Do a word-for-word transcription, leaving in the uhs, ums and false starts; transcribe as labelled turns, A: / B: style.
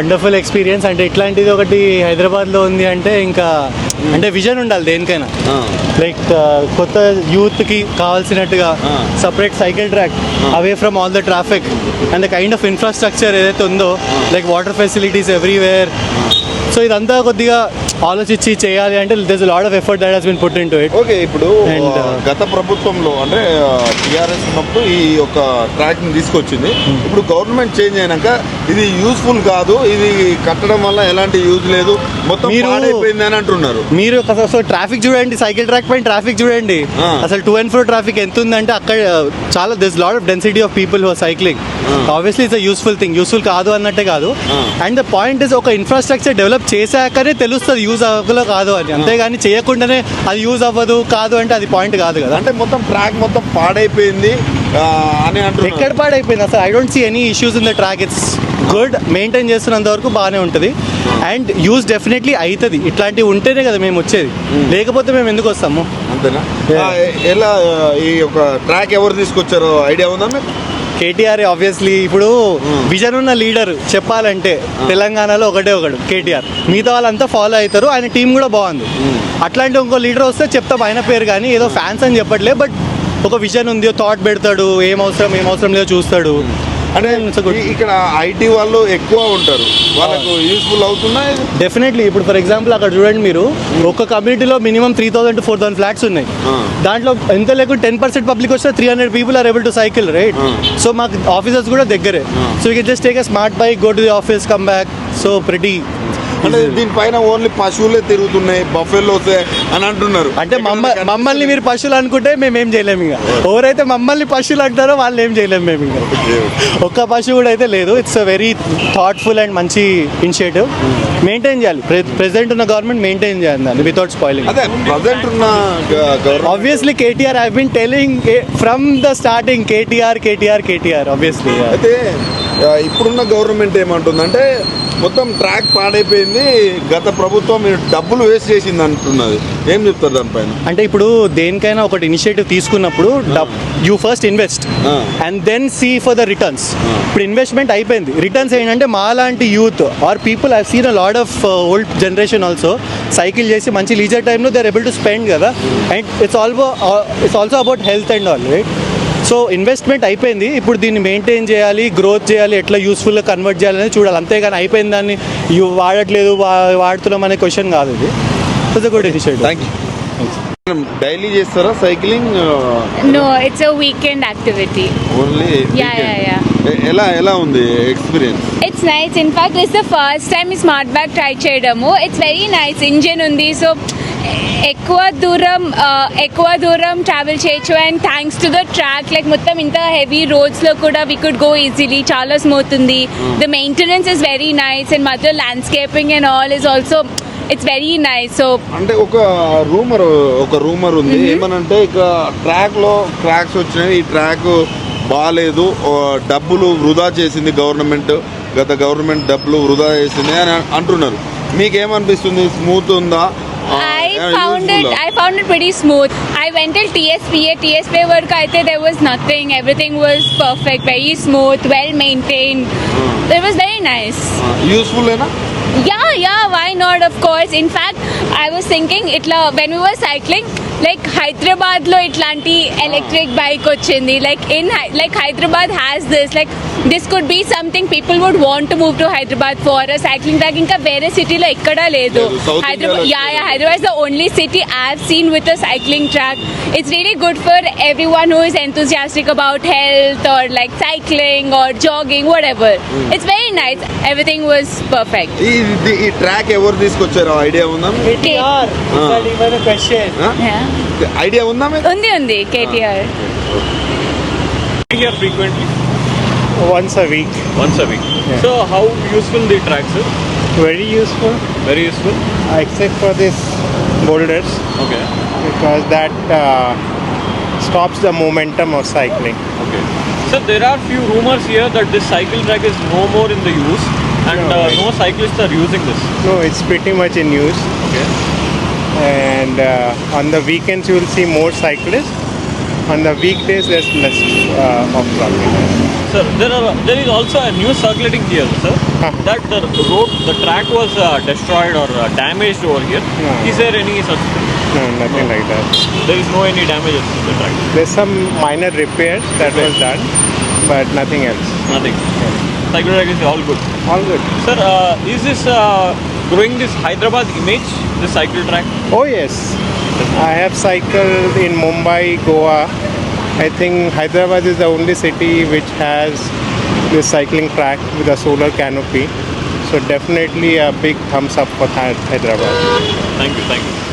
A: Wonderful experience. అంటే ఇట్లాంటిది ఒకటి హైదరాబాద్లో ఉంది అంటే ఇంకా అంటే విజన్ ఉండాలి దేనికైనా. లైక్ కొత్త యూత్కి కావాల్సినట్టుగా separate cycle track away from all the traffic and the kind of infrastructure ఏదైతే ఉందో like water facilities everywhere. So ఇదంతా కొద్దిగా ఆలోచించి చేయాలి అంటే this a lot of effort that has been put into it.
B: Okay, ఇప్పుడు గత ప్రభుత్వంలో అంటే టీఆర్ఎస్ ఉన్నప్పుడు ఈ యొక్క ట్రాక్ ని తీసుకొచ్చింది. ఇప్పుడు గవర్నమెంట్ చేంజ్ అయినాక ఇది యూస్ఫుల్ కాదు, ఇది కట్టడం వల్ల ఎలాంటి యూజ్ లేదు, మొత్తం పాడైపోయింది అని అంటున్నారు.
A: మీరు సో ట్రాఫిక్ చూడండి, సైకిల్ ట్రాక్ పైన ట్రాఫిక్ చూడండి, అసలు టూ అండ్ ఫోర్ ట్రాఫిక్ ఎంత ఉందంటే అక్కడ చాలా this lot of density of people who are cycling. Obviously it's a useful thing, useful కాదు అన్నట్టే కాదు. అండ్ ద పాయింట్ ఇస్ ఒక ఇన్ఫ్రాస్ట్రక్చర్ డెవలప్ చేశాకనే తెలుస్తుంది యూజ్ అవ్వలో కాదు అని, అంతేగాని చేయకుండానే అది యూజ్ అవ్వదు కాదు అంటే అది పాయింట్ కాదు కదా.
B: అంటే మొత్తం ట్రాక్ మొత్తం పాడైపోయింది అని అంటారు.
A: ఎక్కడ పాడైపోయింది అసలు? I don't see any issues in the track. It's good, maintain చేస్తున్నంత వరకు బాగానే ఉంటుంది అండ్ యూజ్ డెఫినెట్లీ అవుతుంది. ఇట్లాంటివి ఉంటేనే కదా మేము వచ్చేది, లేకపోతే మేము ఎందుకు వస్తాము?
B: అంతేనా? ఎలా ఈ యొక్క ట్రాక్ ఎవరు తీసుకొచ్చారో ఐడియా ఉందా మీకు?
A: కేటీఆర్ ఆబ్వియస్లీ. ఇప్పుడు విజన్ ఉన్న లీడర్ చెప్పాలంటే తెలంగాణలో ఒకటే ఒకడు కేటీఆర్, మిగతా వాళ్ళంతా ఫాలో అవుతారు. ఆయన టీం కూడా బాగుంది. అట్లాంటి ఇంకో లీడర్ వస్తే చెప్తాం ఆయన పేరు, కానీ ఏదో ఫ్యాన్స్ అని చెప్పట్లే, బట్ ఒక విజన్ ఉంది, థాట్ పెడతాడు, ఏం అవసరం ఏం అవసరం లేదో చూస్తాడు.
B: అంటే ఇక్కడ ఐటీ వాళ్ళు ఎక్కువ ఉంటారు, వాళ్ళకు యూస్ఫుల్ అవుతున్నా
A: డెఫినెట్లీ. ఇప్పుడు ఫర్ ఎగ్జాంపుల్ అక్కడ చూడండి మీరు, ఒక కమ్యూనిటీలో minimum three thousand to four thousand flats ఉన్నాయి. దాంట్లో ఎంత లేకుండా టెన్ పర్సెంట్ పబ్లిక్ వస్తే three hundred people are able to cycle, right? So మాకు ఆఫీసర్స్ కూడా దగ్గరే. So you can just take a smart bike, go to the office, come back. So pretty.
B: అంటే దీనిపైన ఓన్లీ పశువులే తిరుగుతున్నాయి, బఫెల్లో అని అంటున్నారు.
A: అంటే మమ్మల్ని మీరు పశువులు అనుకుంటే మేము ఏం చేయలేము. ఇంకా ఎవరైతే మమ్మల్ని పశువులు అంటారో వాళ్ళు ఏం చేయలేము మేము. ఇంకా ఒక్క పశువు కూడా అయితే లేదు. It's a very thoughtful and మంచి ఇనిషియేటివ్. మెయింటైన్ చేయాలి, ప్రెసెంట్ ఉన్న గవర్నమెంట్ మెయింటైన్ చేయాలి దాన్ని without spoiling. Obviously KTR I been telling from the starting, KTR KTR KTR obviously.
B: అయితే ఇప్పుడున్న గవర్నమెంట్ ఏమంటుందంటే మొత్తం ట్రాక్ పాడైపోయింది, గత ప్రభుత్వం డబ్బులు వేస్ట్ చేసింది అంటున్నది. ఏం చెప్తారు దానిపైన?
A: అంటే ఇప్పుడు దేనికైనా ఒకటి ఇనిషియేటివ్ తీసుకున్నప్పుడు you first invest and then see for the returns. ఇప్పుడు ఇన్వెస్ట్మెంట్ అయిపోయింది, రిటర్న్స్ ఏంటంటే మా లాంటి youth are people I seen a lot of old generation also cycle చేసి మంచి లీజర్ టైంలో they are able to spend కదా. And it's also it's also about health and all, right? So investment అయిపోయింది, ఇప్పుడు దీన్ని మెయింటైన్ చేయాలి, growth చేయాలి, ఎట్లా యూస్ఫుల్గా కన్వర్ట్ చేయాలని చూడాలి. అంతేగాని అయిపోయింది దాన్ని వాడట్లేదు వాడుతున్నాం అనే క్వశ్చన్ కాదు. ఇది it's good initiative.
B: Thank you. Daily చేస్తారా cycling?
C: No, it's a weekend activity only. Yeah yeah yeah.
B: ఎలా ఎలా ఉంది experience?
C: It's nice. In fact it's the first time ఈ స్మార్ట్ బ్యాగ్ ట్రై చేయడము. It's very nice. ఇంజిన్ ఉంది, సో ఎక్కువ దూరం ఎక్కువ దూరం ట్రావెల్ చేయొచ్చు. And thanks to the track, like మొత్తం ఇంత హెవీ రోడ్స్లో కూడా వీ కుడ్ గో ఈజీలీ. చాలా స్మూత్ ఉంది. The maintenance is very nice and మధ్య landscaping and all is also it's very nice. So
B: అంటే ఒక రూమర్ ఒక రూమర్ ఉంది ఏమనంటే, ఇక ట్రాక్ లో క్రాక్స్ వచ్చినాయి, ఈ ట్రాక్ బాగాలేదు, డబ్బులు వృధా చేసింది గవర్నమెంట్, గత గవర్నమెంట్ డబ్బులు వృధా చేసింది అని అంటున్నారు. మీకేమనిపిస్తుంది? స్మూత్ ఉందా?
C: I found it. I found it pretty smooth. I went till T S P A. T S P A work, I think there was nothing. Everything was perfect, very smooth, well maintained. It was very nice.
B: Useful, hai na?
C: Yeah, yeah. Why not? Of course. In fact, I was thinking, itla when we were cycling, like Hyderabad lo itlanti electric bike ochindi. Like in like Hyderabad has this. Like this could be something people would want to move to Hyderabad for a cycling track. Inka vere city lo ekkada ledu. Hyderabad, yeah, yeah. Hyderabad is the only city I've seen with a cycling track. It's really good for everyone who is enthusiastic about health or like cycling or jogging, whatever. Mm. It's very nice. Everything was perfect.
B: ఈ track ఎవరు తీసుకొచ్చారో idea ఉందా?
A: కేటీఆర్. ఇవన్ question.
B: Idea ఉందా మీకు?
C: ఉంది ఉంది. KTR.
D: Here frequently?
A: Once a week.
D: Once a week. Yeah. So how useful the tracks is?
A: Very useful.
D: Very useful.
A: Except for this boulders.
D: Okay.
A: Because that uh, stops the momentum of cycling.
D: Okay. So there are few rumors here that this cycle track is no more in the use and no, uh, no cyclists are using this.
A: No, it's pretty much in use.
D: Okay.
A: And uh, on the weekends you will see more cyclists.
E: On the weekdays, there's less uh, of traffic.
D: Sir, there are there is also a news circulating here, sir,
E: Huh.
D: that the road, the track was uh, destroyed or uh, damaged over here.
E: No.
D: Is there any such thing?
E: No, nothing like that.
D: There is no any damages in the track.
E: There's some minor repairs that was done, but nothing else.
D: Nothing. Cycle track is all good.
E: All good.
D: Sir, uh, is this uh, growing this Hyderabad image, this cycle track?
E: Oh yes, I have cycled in Mumbai, Goa. I think Hyderabad is the only city which has this cycling track with a solar canopy. So definitely a big thumbs up for Hy- Hyderabad.
D: Thank you, thank you.